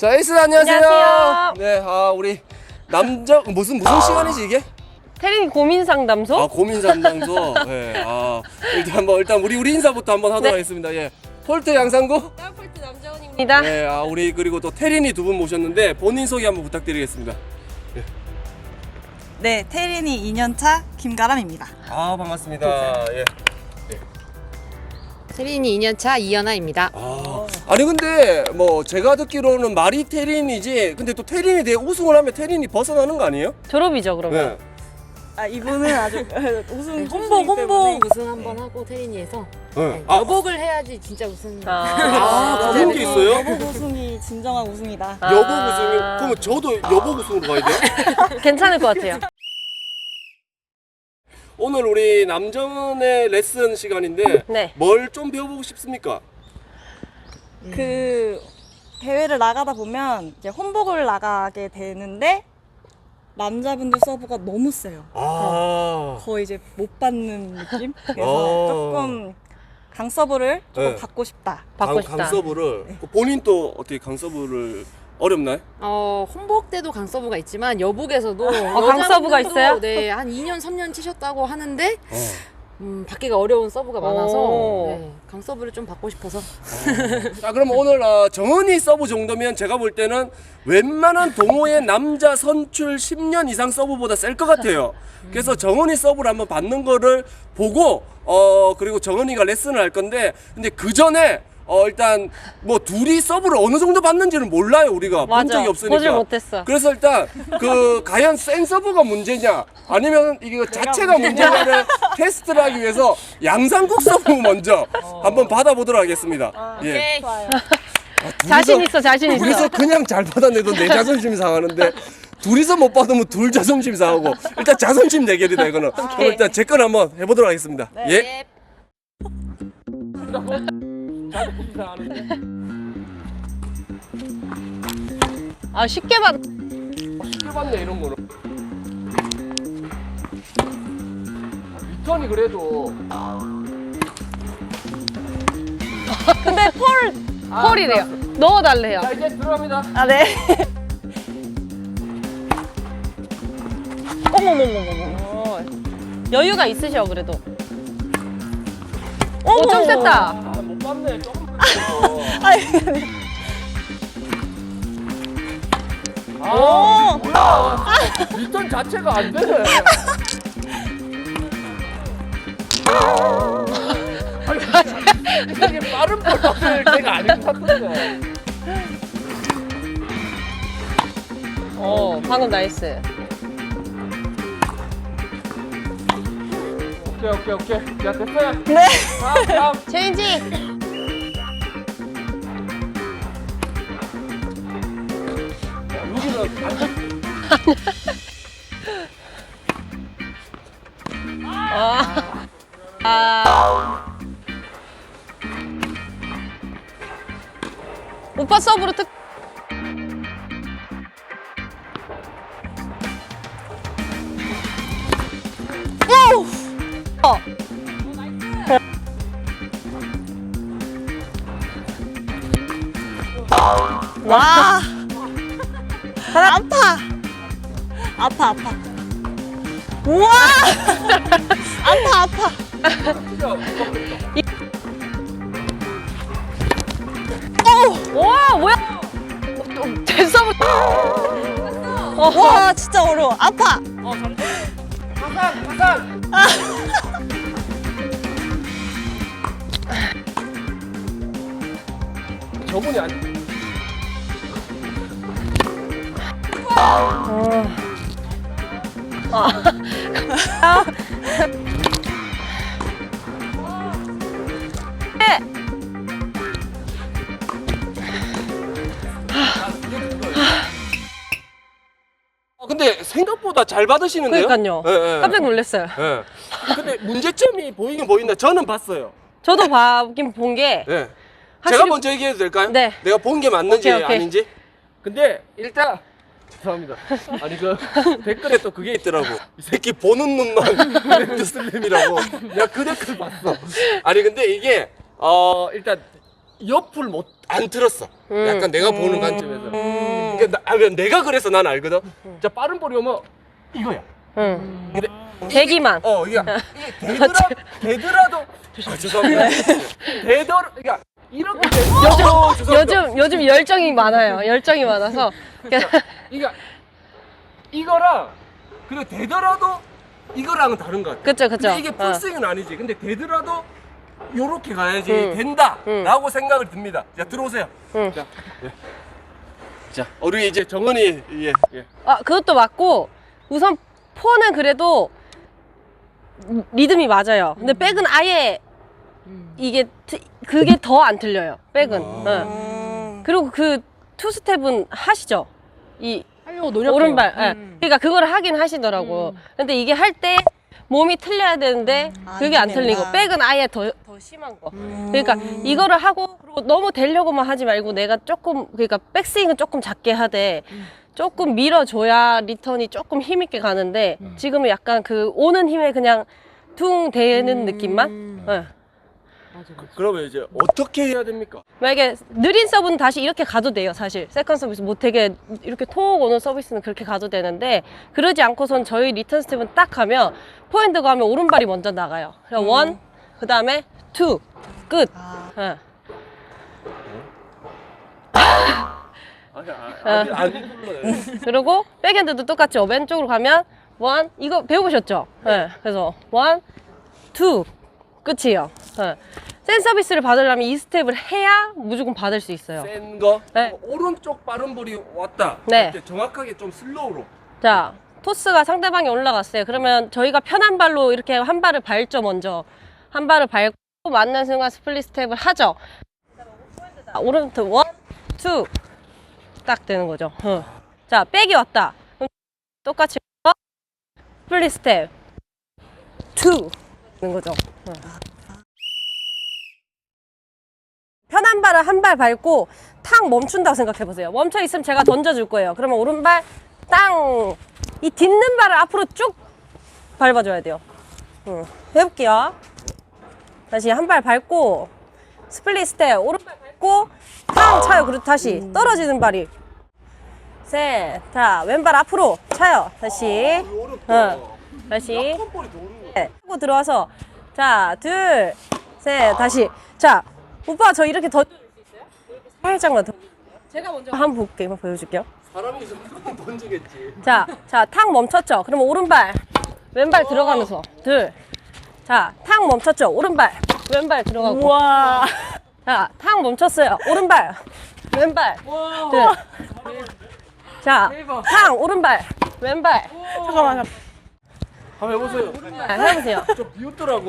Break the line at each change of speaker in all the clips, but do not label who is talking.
자, 에이스 안녕하세요.
안녕하세요.
네, 우리 남자 무슨 시간이지 이게?
태린이 고민 상담소?
고민 상담소. 네, 일단 우리 인사부터 한번 하도록
네.
하겠습니다. 예. 폴트 양상구.
폴트 남자원입니다.
네, 우리 그리고 또 태린이 두 분 모셨는데 본인 소개 한번 부탁드리겠습니다.
네, 태린이 2년차 김가람입니다.
반갑습니다. 예.
태린이 2년차 이연아입니다.
아니 근데 뭐 제가 듣기로는 말이 태린이지. 근데 또 태린이 대해 우승을 하면 태린이 벗어나는 거 아니에요?
졸업이죠, 그러면.
네.
이분은 아주 우승
홍보 우승 한번 하고 태린이에서
네.
여복을 해야지 진짜 우승.
그런 게 있어요?
여복 우승이 진정한 우승이다.
여복 우승이 그러면 저도 여복 우승으로 가야 돼요?
괜찮을 것 같아요.
오늘 우리 남정은의 레슨 시간인데
네.
뭘 좀 배워보고 싶습니까?
그 대회를 나가다 보면 이제 혼복을 나가게 되는데 남자분들 서브가 너무 세요. 거의 이제 못 받는 느낌? 그래서 조금 강 서브를 조금
네.
받고 싶다.
받고 싶다.
강서브를 본인 또 어떻게 강서브를 어렵나요?
홍복 때도 강서부가 있지만 여복에서도
강서부가 있어요?
네, 한 2년 3년 치셨다고 하는데 받기가 어려운 서브가 많아서 네, 강서부를 좀 받고 싶어서.
자, 그럼 오늘 정은이 서브 정도면 제가 볼 때는 웬만한 동호회 남자 선출 10년 이상 서브보다 셀 것 같아요. 그래서 정은이 서브를 한번 받는 거를 보고 그리고 정은이가 레슨을 할 건데, 근데 그 전에 일단 뭐 둘이 서브를 어느 정도 받는지는 몰라요. 우리가 본
맞아.
적이 없으니까.
보질 못했어.
그래서 일단 과연 센 서브가 문제냐 아니면 이게 자체가 문제냐를 테스트를 하기 위해서 양상국 서브 먼저 한번 받아보도록 하겠습니다. 예.
좋아요.
자신 있어, 자신 있어.
둘이서 그냥 잘 받아내도 내 자존심이 상하는데 둘이서 못 받으면 둘 자존심 상하고 일단 자존심 대결이다 이거는. 그럼 일단 제 건 한번 해보도록 하겠습니다. 예.
쉽게 받.
쉽게 받네 이런 거는. 리턴이 그래도
근데 폴이래요. 넣어달래요.
자 이제 들어갑니다.
아, 네.
어머머머머머. 여유가 있으셔, 그래도. 좀 셌다.
못 받네. 조금 뭐야? 리턴 자체가 안 되네. 이게 빠른 볼 받을 때가 아닌 것 같은데.
방금 나이스.
오케이. 야 됐어요.
네.
다음.
체인지.
여기는 안 돼.
오빠 서브로 특.
와. 아파. 우와. 아파.
와, 뭐야? 제 서브.
와, 진짜 어려워. 아파.
가산. 저분이 아니. 근데 생각보다 잘 받으시는데요?
그러니까요.
예.
깜짝 놀랐어요.
예. 근데 문제점이 보이긴 보인다. 저는 봤어요.
저도 보긴 본 게
예.
확실히-
제가 먼저 얘기해도 될까요?
네.
내가 본 게 맞는지
오케이.
아닌지. 근데 일단 죄송합니다. 아니 댓글에 또 그게 있더라고. 이 새끼 보는 눈만 그랜드 슬램이라고. 내가 그 댓글 봤어. 아니 근데 이게 일단 옆을 안 틀었어. 약간 내가 보는 관점에서. 그러니까 내가 그래서 난 알거든. 자, 빠른 볼이 오면 이거야.
응.
근데
대기만.
이게 되더라도 죄송합니다. 그러니까 이렇게
요즘 열정이 많아요. 열정이 많아서.
이거랑 근데 되더라도 이거랑은 다른 것 같아.
그쵸.
근데 이게 풀스윙은 아니지. 근데 되더라도 요렇게 가야지 된다라고 생각을 듭니다. 자, 들어오세요. 자, 자, 우리 이제 정은이
아, 그것도 맞고, 우선 폰은 그래도 리듬이 맞아요. 근데 백은 아예 그게 더 안 틀려요. 백은. 응. 그리고 그 투스텝은 하시죠.
하려고 노력해요.
오른발. 예. 그러니까 그걸 하긴 하시더라고. 근데 이게 할 때 몸이 틀려야 되는데 그게 안 틀리고 백은 아예 더 심한 거. 그러니까 이거를 하고 그리고 너무 되려고만 하지 말고 내가 조금 그러니까 백스윙은 조금 작게 하되 조금 밀어줘야 리턴이 조금 힘있게 가는데 지금은 약간 그 오는 힘에 그냥 퉁 대는 느낌만. 예.
그러면 이제 어떻게 해야 됩니까?
만약에 느린 서브는 다시 이렇게 가도 돼요, 사실. 세컨 서비스 못 되게 이렇게 톡 오는 서비스는 그렇게 가도 되는데 그러지 않고선 저희 리턴 스텝은 딱 가면 포핸드 가면 오른발이 먼저 나가요. 그래서 원, 그 다음에 투, 끝. 예. 그리고 백핸드도 똑같죠. 왼쪽으로 가면 원, 이거 배워보셨죠? 예. 그래서 원, 투, 끝이에요. 예. 센 서비스를 받으려면 이 스텝을 해야 무조건 받을 수 있어요.
센 거?
네.
오른쪽 빠른 볼이 왔다.
네.
그때 정확하게 좀 슬로우로.
자, 토스가 상대방이 올라갔어요. 그러면 저희가 편한 발로 이렇게 한 발을 밟죠, 먼저. 한 발을 밟고 맞는 순간 스플릿 스텝을 하죠. 오른쪽 원, 투. 딱 되는 거죠. 자, 백이 왔다. 그럼 똑같이 스플릿 스텝. 투. 되는 거죠. 편한 발을 한 발 밟고 탕 멈춘다고 생각해 보세요. 멈춰 있으면 제가 던져줄 거예요. 그러면 오른발 땅! 이 딛는 발을 앞으로 쭉 밟아줘야 돼요. 해볼게요. 다시 한 발 밟고 스플릿 스텝 오른발 밟고 탕 차요. 그리고 다시 떨어지는 발이 셋. 자, 왼발 앞으로 차요. 다시 다시 하고 들어와서 자, 둘, 셋, 다시. 자, 오빠 저 이렇게 던져줄 수 있어요? 이렇게 살짝만 더. 제가 먼저 한번 볼게요. 한번 보여줄게요.
사람이 있으면 그건 던지겠지.
자, 탕 멈췄죠? 그러면 오른발, 왼발 들어가면서 둘. 자, 탕 멈췄죠? 오른발, 왼발 들어가고.
우와.
자, 탕 멈췄어요. 오른발, 왼발 둘. 자, 탕 오른발, 왼발.
잠깐만.
한번 해보세요.
해보세요.
좀 비웃더라고.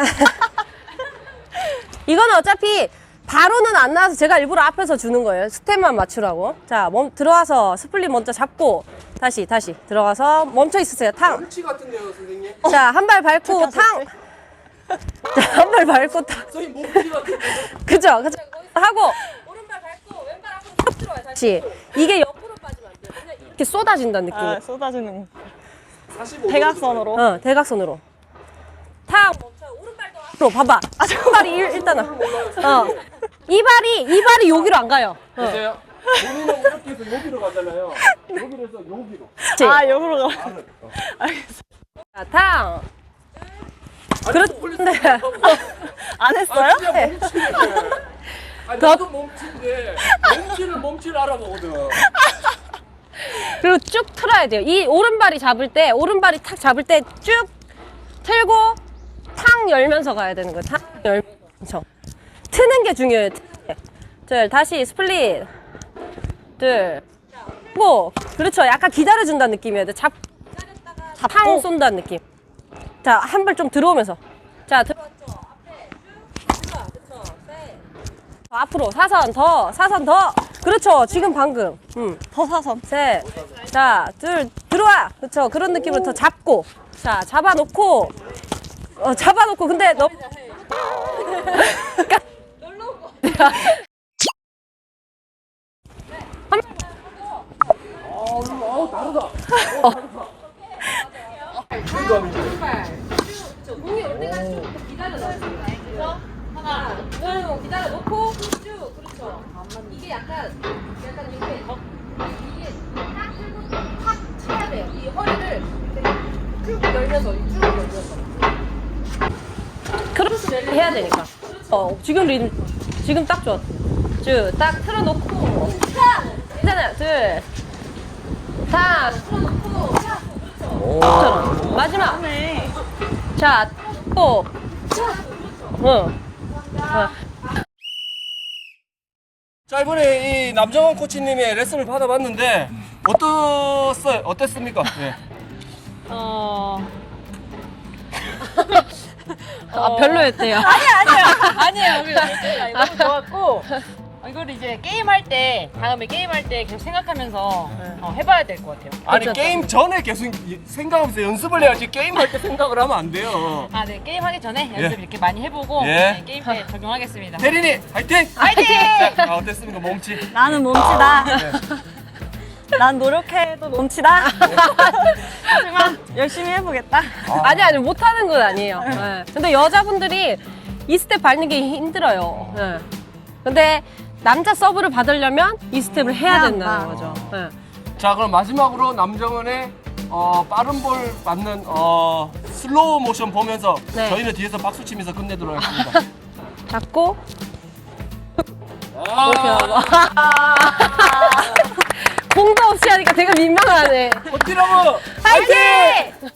이거는 어차피 바로는 안 나와서 제가 일부러 앞에서 주는 거예요. 스텝만 맞추라고. 자, 들어와서 스플릿 먼저 잡고 다시 들어가서 멈춰 있으세요. 탕.
멸치 같은데요, 선생님?
자, 한 발 밟고 탕. 자, 한 발 밟고 탕.
선생님 목지 같은데.
그죠? 하고 오른발 밟고 왼발 앞으로 쭉 들어와요. 다시. 이게 옆으로 빠지면 안 돼요. 그냥 이렇게 쏟아진다는 느낌으로.
쏟아지는
45도
대각선으로.
대각선으로. 탕 멈춰. 오른발도 앞으로 봐봐. 오른발이 일단은. 이 발이 여기로 안 가요.
보세요. 본인은 이렇게 해서 여기로 가잖아요. 여기로 해서 여기로.
그치?
여기로 가.
자, 탕. 그런데
안 했어요?
진짜 몸치네. 나도 몸치인데 몸치를 알아보거든.
그리고 쭉 틀어야 돼요. 이 오른발이 탁 잡을 때 쭉 틀고 탕 열면서 가야 되는 거예요. 탕 열면서. 트는 게 중요해요. 둘, 다시 스플릿. 둘, 고. 그렇죠. 약간 기다려준다는 느낌이어야 돼. 탕 쏜다는 느낌. 자, 한 발 좀 들어오면서. 자, 들어왔죠. 앞에 쭉 들어와. 그렇죠. 셋. 앞으로 사선 더. 그렇죠. 지금 방금.
더 사선.
셋. 자, 둘, 들어와. 그쵸. 그런 느낌으로 더 잡고. 자, 잡아놓고. 근데 너.
다르다.
공이 올 때까지 좀 기다려놔요. 그래서 하나, 둘, 기다려놓고 쭉. 이게 약간 이렇게 이게 딱 들고 탁 쳐야 돼요. 이 허리를 쭉 열면서 쭉 열면서. 크로스 해야 되니까. 지금 리듬 지금 딱 좋아. 딱 틀어놓고 괜찮아요. 둘, 탁 틀어놓고 그렇죠. 마지막. 자, 또.
자, 이번에 이 남정원 코치님의 레슨을 받아봤는데 어땠습니까? 예.
별로였대요.
아니에요. 너무 좋았고 이거를 이제 게임할 때 다음에 게임할 때 계속 생각하면서 해봐야 될 것 같아요.
아니
괜찮다.
게임 전에 계속 생각하면서 연습을 해야지 게임할 때 생각을 하면 안 돼요.
아, 네. 게임하기 전에 연습 이렇게 많이 해보고
예.
네, 게임 때 적용하겠습니다.
대리님 화이팅!
화이팅!
자, 어땠습니까 몸치?
나는 몸치다. 난 노력해도 몸치다. 하지만 열심히 해보겠다.
아니 못하는 건 아니에요. 네. 근데 여자분들이 이 스텝 밟는 게 힘들어요. 네. 근데 남자 서브를 받으려면 이 스텝을 해야 된다는 거죠. 네.
자, 그럼 마지막으로 남정원의 빠른 볼 맞는 슬로우 모션 보면서
네.
저희는 뒤에서 박수 치면서 끝내도록 하겠습니다.
잡고
아,
이렇게 하고. 공도 없이 하니까 되게 민망하네.
버티라고!
파이팅!